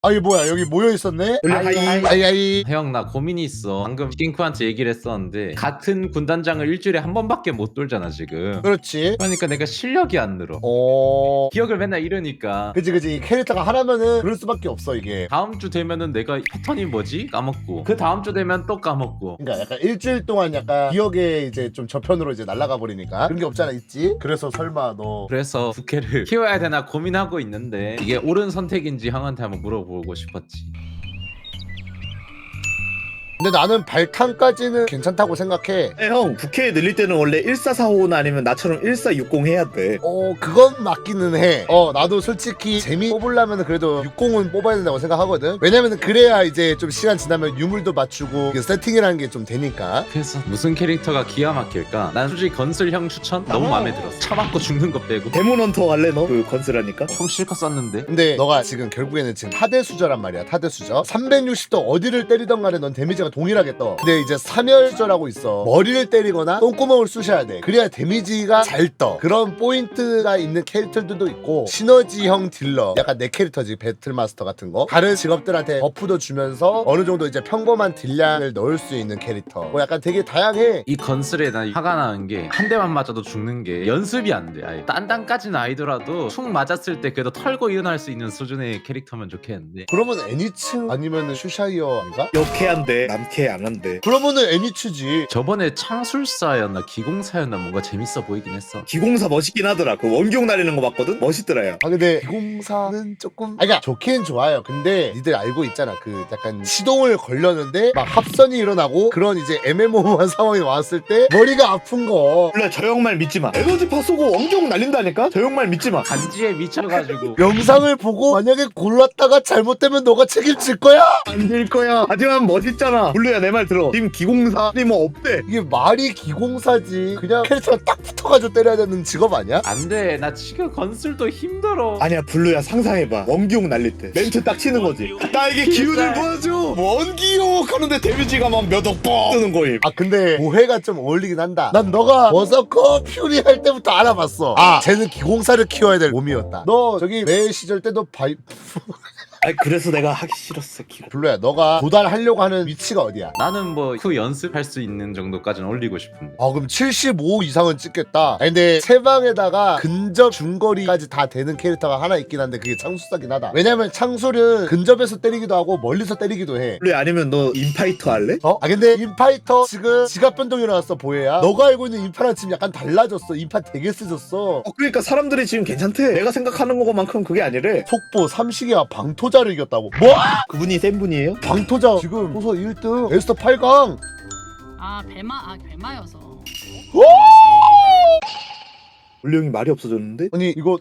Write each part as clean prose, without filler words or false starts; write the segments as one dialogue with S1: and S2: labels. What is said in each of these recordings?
S1: 아이 뭐야 여기 모여있었네? 아이
S2: 형 나 고민이 있어. 방금 킹크한테 얘기를 했었는데 같은 군단장을 일주일에 한 번밖에 못 돌잖아 지금.
S1: 그렇지.
S2: 그러니까 내가 실력이 안 늘어. 기억을 맨날 잃으니까.
S1: 그치 이 캐릭터가 하나면은 그럴 수밖에 없어 이게.
S2: 다음 주 되면은 내가 패턴이 뭐지? 까먹고 그 다음 주 되면 또 까먹고.
S1: 그러니까 약간 일주일 동안 약간 기억에 이제 좀 저편으로 이제 날아가 버리니까 그런 게 없잖아 있지? 그래서 설마 너
S2: 그래서 부캐를 키워야 되나 고민하고 있는데 이게 옳은 선택인지 형한테 한번 물어보고 싶었지.
S1: 근데 나는 발탄까지는 괜찮다고 생각해.
S3: 형 부캐 늘릴 때는 원래 1445나 아니면 나처럼 1460 해야 돼.
S1: 그건 맞기는 해. 나도 솔직히 재미 뽑으려면 그래도 60은 뽑아야 된다고 생각하거든. 왜냐면은 그래야 이제 좀 시간 지나면 유물도 맞추고 이게 세팅이라는 게 좀 되니까.
S2: 그래서 무슨 캐릭터가 기가 막힐까? 난 솔직히 건슬 형 추천 너무 마음에 들었어. 차맞고 죽는 거 빼고.
S3: 데몬헌터 할래 너? 그 건슬하니까?
S2: 형 실컷 썼는데?
S1: 근데 너가 지금 결국에는 지금 타대수저란 말이야. 타대수저 360도 어디를 때리던 간에 넌 데미지가 동일하게 떠. 근데 이제 사멸수저라고 있어. 머리를 때리거나 똥구멍을 쑤셔야 돼. 그래야 데미지가 잘 떠. 그런 포인트가 있는 캐릭터들도 있고 시너지형 딜러, 약간 내 캐릭터지, 배틀마스터 같은 거. 다른 직업들한테 버프도 주면서 어느 정도 이제 평범한 딜량을 넣을 수 있는 캐릭터. 뭐 약간 되게 다양해.
S2: 이 건슬에 나 화가 나는 게 한 대만 맞아도 죽는 게 연습이 안 돼. 아예 딴딴까지는 아니더라도 총 맞았을 때 그래도 털고 일어날 수 있는 수준의 캐릭터면 좋겠는데.
S1: 그러면 애니츠 아니면은 슈샤이어인가?
S3: 역해한데 남캐 안 한대.
S1: 그러면은 애니츠지.
S2: 저번에 창술사였나 기공사였나 뭔가 재밌어 보이긴 했어.
S3: 기공사 멋있긴 하더라. 그 원기옥 날리는 거 봤거든? 멋있더라 야.
S1: 근데 기공사는 조금 그러니까 좋긴 좋아요. 근데 니들 알고 있잖아. 그 약간 시동을 걸렸는데 막 합선이 일어나고 그런 이제 애매모호한 상황이 왔을 때 머리가 아픈 거.
S3: 원래 저 형 말 믿지 마. 에너지파 쏘고 원기옥 날린다니까? 저 형 말 믿지 마.
S2: 간지에 미쳐가지고.
S1: 영상을 보고 만약에 골랐다가 잘못되면 너가 책임질 거야?
S3: 안 될 거야. 하지만 멋있잖아. 블루야 내 말 들어. 님 기공사니 뭐 없대.
S1: 이게 말이 기공사지. 그냥 캐릭터가 딱 붙어가지고 때려야 되는 직업 아니야?
S2: 안돼 나 지금 건슬도 힘들어.
S3: 아니야 블루야 상상해봐. 원기옥 날릴 때 멘트 딱 치는 거지. 나에게 기운을 보여줘. 원기옥 하는데 데미지가 막 몇억 뻥 뜨는 거임.
S1: 근데 오해가 좀 어울리긴 한다. 난 너가 버서커 퓨리 할 때부터 알아봤어. 쟤는 기공사를 키워야 될 몸이었다. 너 저기 매 시절 때도
S3: 아니 그래서 내가 하기 싫었어 기공.
S1: 블루야, 너가 도달하려고 하는 위치가 어디야?
S2: 나는 뭐 그 연습할 수 있는 정도까지는 올리고 싶은데.
S1: 그럼 75 이상은 찍겠다. 근데 세방에다가 근접 중거리까지 다 되는 캐릭터가 하나 있긴 한데 그게 창술사긴 하다. 왜냐면 창술은 근접에서 때리기도 하고 멀리서 때리기도 해.
S3: 블루야 아니면 너 인파이터 할래?
S1: 근데 인파이터 지금 지갑 변동이 일어났어. 보혜야, 너가 알고 있는 인파랑 지금 약간 달라졌어. 인파 되게 세졌어.
S3: 그러니까 사람들이 지금 괜찮대. 내가 생각하는 것만큼 그게 아니래.
S1: 속보 삼식이와 방토자를 이겼다고. 뭐?
S3: 그분이 센 분이에요?
S1: 방토자 지금 소서 1등 에스터 8강.
S4: 벨마여서.
S3: 블루 형이 말이 없어졌는데?
S1: 아니 이거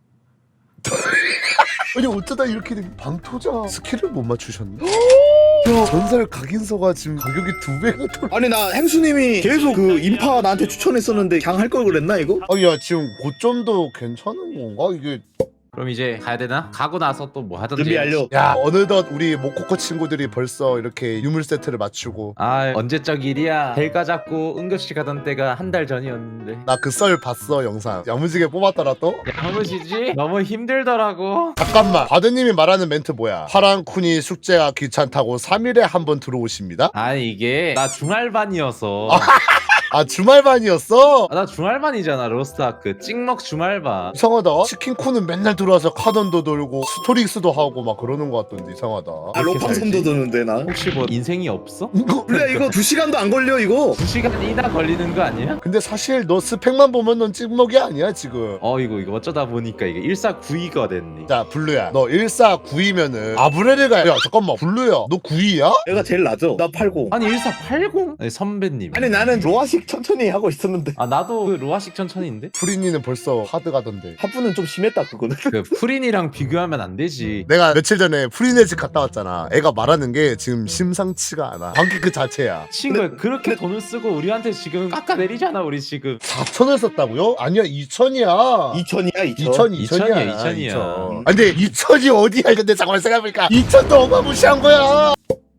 S1: 아니 어쩌다 이렇게 된 방토자 스킬을 못 맞추셨네? 야, 전설 각인서가 지금 가격이 2배가 돌.
S3: 아니 나 행수님이 계속 그 인파 나한테 추천했었는데 그냥 할 걸 그랬나 이거?
S1: 야 지금 고점도 괜찮은 건가 이게?
S2: 그럼 이제 가야 되나? 가고 나서 또 뭐 하던지.
S3: 준비 완료.
S1: 야 어느덧 우리 모코코 친구들이 벌써 이렇게 유물 세트를 맞추고.
S2: 언제적 일이야. 벨가 잡고 응급실 가던 때가 한 달 전이었는데.
S1: 나 그 썰 봤어 영상. 야무지게 뽑았더라 또.
S2: 야무지지? 너무 힘들더라고.
S1: 잠깐만, 바드님이 말하는 멘트 뭐야? 파랑쿤이 숙제가 귀찮다고 3일에 한 번 들어오십니다?
S2: 이게 나 중알반이어서.
S1: 주말반이었어?
S2: 나 중알반이잖아. 로스트아크 찍먹 중알반.
S1: 이상하다. 치킨쿤은 맨날 들어와서 카던도 돌고 스토릭스도 하고 막 그러는 것 같던데 이상하다.
S3: 로팡섬도 도는데 나.
S2: 혹시 뭐 인생이 없어?
S3: 블루야 이거 2시간도 안 걸려 이거.
S2: 2시간이나 걸리는 거 아니야?
S1: 근데 사실 너 스펙만 보면 넌 찍먹이 아니야 지금.
S2: 이거 어쩌다 보니까 이게 1492가 됐네.
S1: 자 블루야, 너 1492면은 아브레르가. 야 잠깐만, 블루야 너 9위야?
S3: 내가 제일 낮아. 나 80.
S2: 아니 1480? 아니 선배님.
S3: 아니 나는 로아식 천천히 하고 있었는데
S2: 나도 그 로아식 천천히인데?
S1: 프리니는 벌써 하드 가던데.
S3: 하프는 좀 심했다 그거는.
S2: 그 프린이랑 비교하면 안 되지.
S1: 내가 며칠 전에 프리네 집 갔다 왔잖아. 애가 말하는 게 지금 심상치가 않아. 관계 그 자체야.
S2: 친구야 그렇게 돈을 쓰고 우리한테 지금 깎아내리잖아 우리 지금.
S1: 4천을 썼다고요? 아니야 2천이야.
S3: 2000이야
S1: 2000,
S2: 2000이야.
S1: 2000. 근데 2000이 어디야? 근데 잠깐만 생각해보니까 2000도 어마무시한 거야.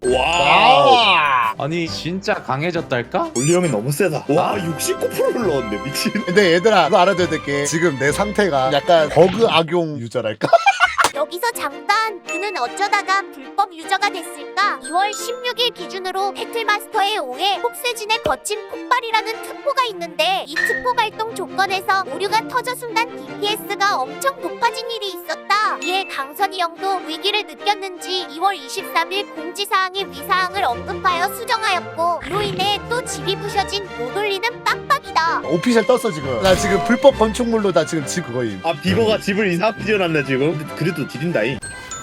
S3: 와.
S2: 아니 진짜 강해졌달까?
S3: 블루 형이 너무 세다. 와 69%를 넣었네 미친.
S1: 근데 얘들아 그거 알아둬야 될 게 지금 내 상태가 약간 버그 악용 유저랄까?
S4: 여기서 잠깐, 그는 어쩌다가 불법 유저가 됐을까? 2월 16일 기준으로 배틀마스터의 5회 폭세진의 거친 폭발이라는 특보가 있는데 이 특보 발동 조건에서 오류가 터져 순간 DPS가 엄청 높아진 일이 있었다. 이에 강선이 형도 위기를 느꼈는지 2월 23일 공지사항에 위사항을 언급하여 수정하였고 이로 인해 또 집이 부셔진 못 올리는 빡빡이다.
S1: 오피셜 떴어 지금. 나 지금 불법 건축물로 나 지금 집 그거임.
S3: 아 비버가 집을 이상하게 지어놨네 지금. 근데 그래도 지린다잉.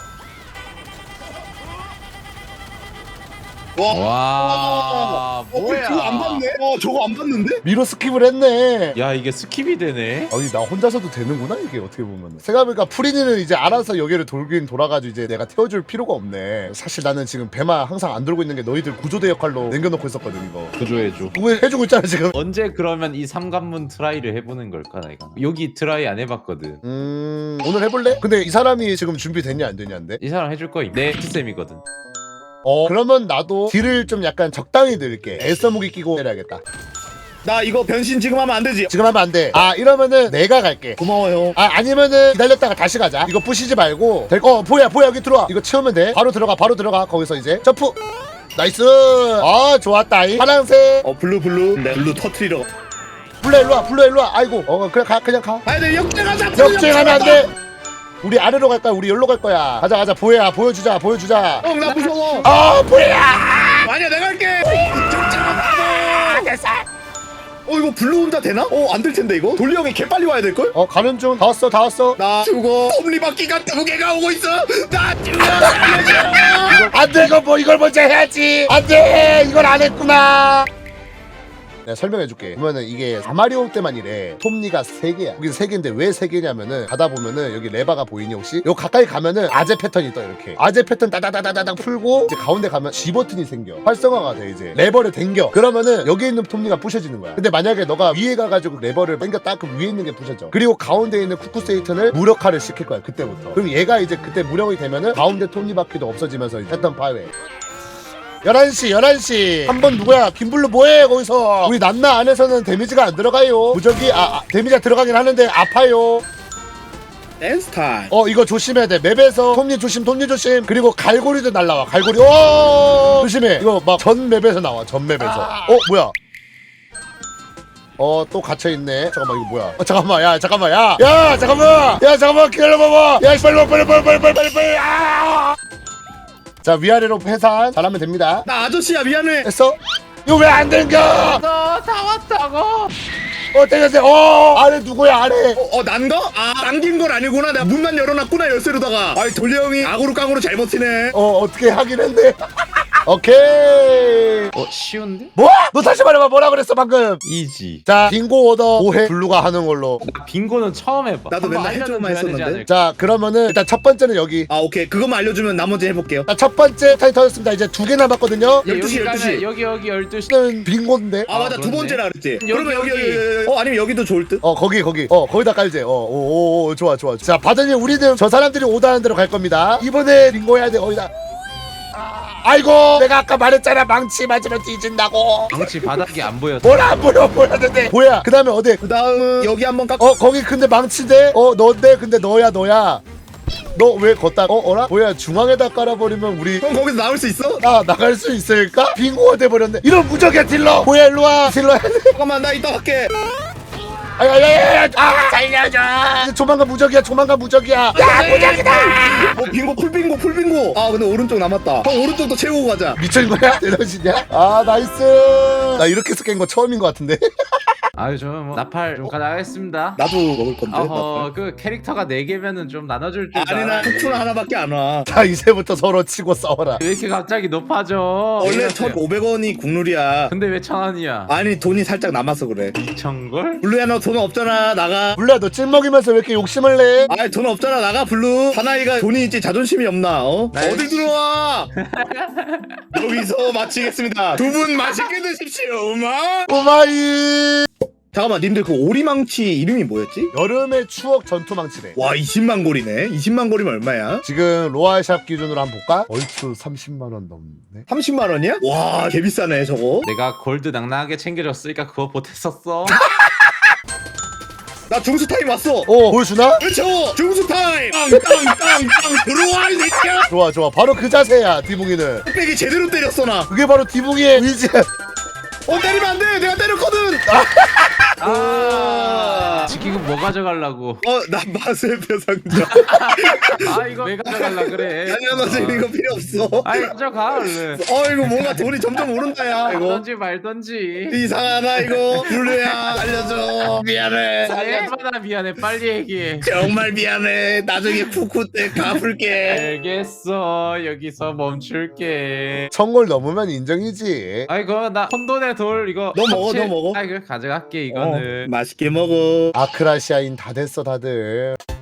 S2: 와 뭐야?
S3: 저거 안 봤네. 저거 안 봤는데?
S1: 미로 스킵을 했네.
S2: 야 이게 스킵이 되네.
S1: 아니 나 혼자서도 되는구나 이게 어떻게 보면. 생각해보니까 프리니는 이제 알아서 여기를 돌긴 돌아가지고 이제 내가 태워줄 필요가 없네. 사실 나는 지금 배마 항상 안 돌고 있는 게 너희들 구조대 역할로 남겨놓고 있었거든 이거.
S2: 구조해줘.
S1: 그거 해주고 있잖아 지금.
S2: 언제 그러면 이 삼관문 트라이를 해보는 걸까 내가? 여기 트라이 안 해봤거든.
S1: 오늘 해볼래? 근데 이 사람이 지금 준비됐냐 안 되냐인데?
S2: 이 사람 해줄 거임. 내 피쌤이거든.
S1: 그러면 나도 딜을 좀 약간 적당히 넣을게. 애써 무기 끼고 해야겠다.
S3: 나 이거 변신 지금 하면 안 되지.
S1: 지금 하면 안 돼. 아 이러면은 내가 갈게.
S3: 고마워요.
S1: 아 아니면은 기다렸다가 다시 가자. 이거 부시지 말고 보야 여기 들어와. 이거 채우면 돼. 바로 들어가 거기서 이제 점프. 나이스. 좋았다. 파란색.
S3: 블루. 네. 블루 터트리러.
S1: 블루 일로 와. 아이고. 그냥 가.
S3: 아니 내 역전하자.
S1: 역주행하면 안 돼. 우리 아래로 갈 거야. 우리 여기로 갈 거야. 가자. 보야 보여주자.
S3: 나 무서워.
S1: 보야.
S3: 아니야 내가 할게.
S1: 됐어.
S3: 이거 블루 혼자 되나? 안 될 텐데 이거. 돌리 형이 개 빨리 와야 될 걸?
S1: 가는 중. 다 왔어.
S3: 나 죽어. 톱니바퀴가 2개가 오고 있어. 나 죽어.
S1: 안 돼. 이걸 먼저 해야지. 안 돼. 이걸 안 했구나. 내가 설명해줄게. 보면은 이게 아마리오 때만 이래. 톱니가 3개야. 여기 3개인데 왜 3개냐면은 가다 보면은 여기 레바가 보이니 혹시? 요 가까이 가면은 아재 패턴이 떠 이렇게. 아재 패턴 따다다다다닥 풀고 이제 가운데 가면 G 버튼이 생겨. 활성화가 돼 이제. 레버를 당겨. 그러면은 여기 있는 톱니가 부셔지는 거야. 근데 만약에 너가 위에 가가지고 레버를 당겼다 그럼 위에 있는 게 부셔져. 그리고 가운데 있는 쿠쿠세이튼을 무력화를 시킬 거야 그때부터. 그럼 얘가 이제 그때 무력이 되면은 가운데 톱니바퀴도 없어지면서 패턴 파괴. 11시 한 번 누구야? 김블루 뭐해 거기서? 우리 난나 안에서는 데미지가 안 들어가요. 무적이 데미지가 들어가긴 하는데 아파요.
S3: 댄스 타임.
S1: 이거 조심해야 돼. 맵에서 톱니 조심. 그리고 갈고리도 날라와. 갈고리. 조심해. 이거 막 전 맵에서 나와. 전 맵에서. 뭐야? 또 갇혀있네. 잠깐만 이거 뭐야? 잠깐만 야 잠깐만 기다려봐봐. 야 빨리. 자 위아래로 회산 잘하면 됩니다.
S3: 나 아저씨야 미안해.
S1: 됐어? 이거 왜 안 당겨?
S2: 너 다 왔다고.
S1: 당겼어. 아래 누구야 아래?
S3: 난가? 당긴 건 아니구나. 내가 문만 열어놨구나 열쇠로다가. 돌리 형이 악으로 깡으로 잘 버티네.
S1: 어떻게 하긴 했네. 오케이.
S2: 쉬운데?
S1: 뭐? 너 다시 말해봐. 뭐라 그랬어 방금?
S2: 이지.
S1: 자 빙고 오더 5회 블루가 하는 걸로.
S2: 나 빙고는 처음 해봐.
S3: 나도 맨날 해줘만 했었는데.
S1: 자 그러면은 일단 첫 번째는 여기.
S3: 오케이 그것만 알려주면 나머지 해볼게요.
S1: 자 첫 번째 타이 터졌습니다. 이제 2개 남았거든요.
S3: 12시.
S2: 여기 12시.
S1: 는 빙고인데.
S3: 맞아 두
S2: 그렇네.
S3: 번째라 그랬지.
S2: 여기,
S3: 그러면 여기. 아니면 여기도 좋을 듯.
S1: 거기 거기다 깔지. 좋아. 자 바다님 우리는 저 사람들이 오다는 대로 갈 겁니다. 이번에 빙고 해야 돼. 거기다. 아이고 내가 아까 말했잖아. 망치 맞으면 뒤진다고.
S2: 망치 바닥이 안 보여.
S1: 뭐라 안 보여 보였는데. 뭐야 그 다음에 어디?
S3: 그 다음은 여기 한번 깎고.
S1: 거기 근데 망치대. 너인데 근데 너야. 너 왜 걷다? 어라? 뭐야 중앙에다 깔아버리면 우리
S3: 형 거기서 나올 수 있어?
S1: 나갈 수 있을까? 빙고가 돼버렸네. 이런 무적이야 딜러. 뭐야 일로와. 딜러 해야 돼.
S3: 잠깐만 나 이따 갈게.
S1: 살려줘. 조만간 무적이야. 야 무적이다.
S3: 빙고 풀빙고. 근데 오른쪽 남았다. 형 오른쪽도 채우고 가자.
S1: 미친 거야? 대단하시냐? 나이스. 나 이렇게 해서 깬 거 처음인 거 같은데.
S2: 아유 좀 나팔 좀 가져가겠습니다.
S3: 나도 먹을 건데.
S2: 그 캐릭터가 4개면은 좀 나눠줄 줄
S3: 아니 나 쿠쿠는 하나밖에 안 와.
S1: 자 이제부터 서로 치고 싸워라.
S2: 왜 이렇게 갑자기 높아져?
S3: 원래 1,500원이 국룰이야.
S2: 근데 왜 1,000원이야?
S3: 아니 돈이 살짝 남아서 그래.
S2: 2,000걸?
S3: 블루야 너 돈 없잖아 나가.
S1: 몰라 너 찔먹이면서 왜 이렇게 욕심을 내?
S3: 아이 돈 없잖아 나가 블루. 사나이가 돈이 있지 자존심이 없나? 어딜 들어와. 여기서 마치겠습니다. 두 분 맛있게 드십시오.
S1: 오마이.
S3: 잠깐만 님들 그 오리망치 이름이 뭐였지?
S1: 여름의 추억 전투망치네.
S3: 와 20만 골이네. 20만 골이면 얼마야?
S1: 지금 로아샵 기준으로 한번 볼까? 얼추 30만원 넘네.
S3: 30만 원이야? 와 개비싸네 저거.
S2: 내가 골드 낭낭하게 챙겨줬으니까 그거 보탰었어.
S3: 나 중수 타임 왔어.
S1: 보여주나?
S3: 그렇죠. 중수 타임. 땅땅땅땅 들어와 이 새끼야.
S1: 좋아 좋아 바로 그 자세야 디붕이는.
S3: 흑백이 제대로 때렸어 나.
S1: 그게 바로 디붕이의 의지.
S3: 때리면 안 돼. 내가 때렸거든.
S2: 지금 뭐 가져가려고?
S3: 나 마세표 상자.
S2: 아 이거 왜 가져갈라 그래?
S3: 아니야 나 지금 이거 필요 없어.
S2: 아이 가져가 얼른.
S3: 이거 뭔가 돈이 점점 오른다 야 이거.
S2: 말던지 말던지.
S3: 이상하다 이거. 블루야 알려줘. 미안해.
S2: 얼마나 미안해. 빨리 얘기해.
S3: 정말 미안해. 나중에 푸쿠 때 갚을게.
S2: 알겠어. 여기서 멈출게.
S1: 1000골 넘으면 인정이지.
S2: 아이고 나 혼돈의 돌 이거.
S3: 너 먹어, 너 먹어.
S2: 아이고 가져갈게 이거는.
S3: 맛있게 먹어.
S1: 아크라시아인 다 됐어 다들.